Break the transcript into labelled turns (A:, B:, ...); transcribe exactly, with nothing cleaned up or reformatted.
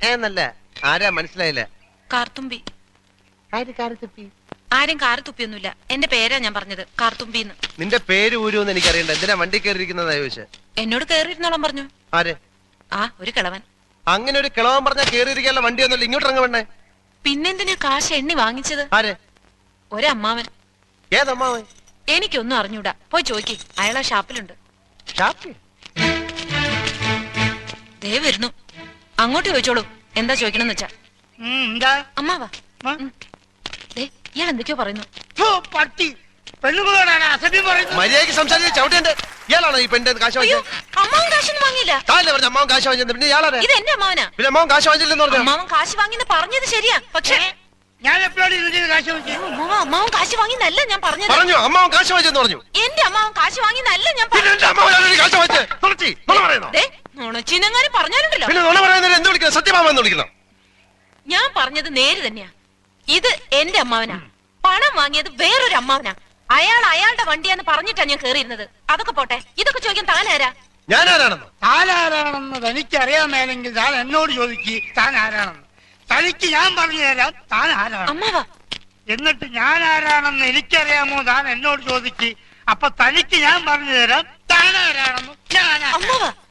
A: എന്നല്ല, ആരാ മനസ്സിലായില്ല.
B: കാർത്തുമ്പി. ആരും കാറ് തുപ്പിയൊന്നുമില്ല. എന്റെ പേരാ ഞാൻ പറഞ്ഞത്, കാർത്തുമ്പിന്ന്.
A: നിന്റെ പേര് ഊരുന്ന് എനിക്കറിയണ്ട. എന്തിനാ വണ്ടി കയറിയിരിക്കുന്നതാ ചോദിച്ചേ?
B: എന്നോട് കേറിയിരുന്നോളം പറഞ്ഞു.
A: ആര്?
B: ആ ഒരു കിളവൻ.
A: അങ്ങനെ ഒരു കിളവൻ പറഞ്ഞാ കേറിയിരിക്കാനുള്ള വണ്ടി ഒന്നുമില്ല, ഇങ്ങോട്ട് ഇറങ്ങ വേണ്ടേ?
B: പിന്നെന്തിനാ കാശ് എണ്ണി വാങ്ങിച്ചത്?
A: ആര്?
B: ഒരമ്മാവൻ.
A: ഏതമ്മാവൻ?
B: എനിക്കൊന്നും അറിഞ്ഞൂടാ, പോയി ചോദിക്ക്. അയാളാ ഷാപ്പിലുണ്ട്.
A: ഷാപ്പിൽ?
B: ദേ വരുന്നു, അങ്ങോട്ട് ചോദിച്ചോളൂ എന്താ ചോദിക്കണമെന്ന് വെച്ചാ. അമ്മാവാ, ഇയാൾ എന്തൊക്കെയോ പറയുന്നു.
A: മര്യാദയ്ക്ക് സംസാരിച്ച് ചവിട്ടേണ്ട. ഇയാളാണോ ഈ പെണ്ണിന്റെ കാശ് വാങ്ങിച്ചത്?
B: അമ്മാവൻ കാശൊന്നും വാങ്ങിയില്ല.
A: താല്ലേ പറഞ്ഞ അമ്മാവൻ കാശ് വാങ്ങിച്ചത്? പിന്നെ ഇയാളാണ്.
B: ഇത് എന്റെ അമ്മാവനാ.
A: പിന്നെ അമ്മാവൻ കാശ് വാങ്ങിച്ചില്ലെന്ന് പറഞ്ഞു.
B: അമ്മാവൻ കാശ് വാങ്ങിന്ന് പറഞ്ഞത് ശരിയാ, പക്ഷേ
C: ഞാൻ എപ്പോഴാണ് കാശ് വാങ്ങിച്ചത്?
B: അമ്മാവൻ കാശ് വാങ്ങിന്നല്ല ഞാൻ പറഞ്ഞത്.
A: പറഞ്ഞു അമ്മാവൻ കാശ് വാങ്ങിച്ചെന്ന് പറഞ്ഞു.
B: എന്റെ അമ്മാവൻ കാശ് വാങ്ങിന്നല്ല ഞാൻ നുണച്ചിനെങ്ങാനും പറഞ്ഞാലുണ്ടല്ലോ.
A: സത്യമാമെന്ന് വിളിക്കുന്നു.
B: ഞാൻ പറഞ്ഞത് നേര് തന്നെയാ. ഇത് എന്റെ അമ്മാവനാ. പണം വാങ്ങിയത് വേറൊരു അമ്മാവനാ. അയാൾ അയാളുടെ വണ്ടിയാന്ന് പറഞ്ഞിട്ടാ ഞാൻ കേറിയിരുന്നത്. അതൊക്കെ പോട്ടെ, ഇതൊക്കെ ചോദിക്കാൻ താനാരാ?
A: ഞാൻ ആരാണെന്ന്
C: താൻ ആരാണെന്ന് തനിക്കറിയാമേലെങ്കിൽ താൻ എന്നോട് ചോദിക്ക് താൻ ആരാണെന്ന്. തനിക്ക് ഞാൻ പറഞ്ഞു തരാം താൻ ആരാണ്.
B: അമ്മാവാ,
C: എന്നിട്ട് ഞാൻ ആരാണെന്ന് എനിക്കറിയാമോ താൻ എന്നോട് ചോദിക്ക്. അപ്പൊ തനിക്ക് ഞാൻ പറഞ്ഞു തരാം താൻ ആരാണെന്ന്. ഞാൻ
B: അമ്മാവാ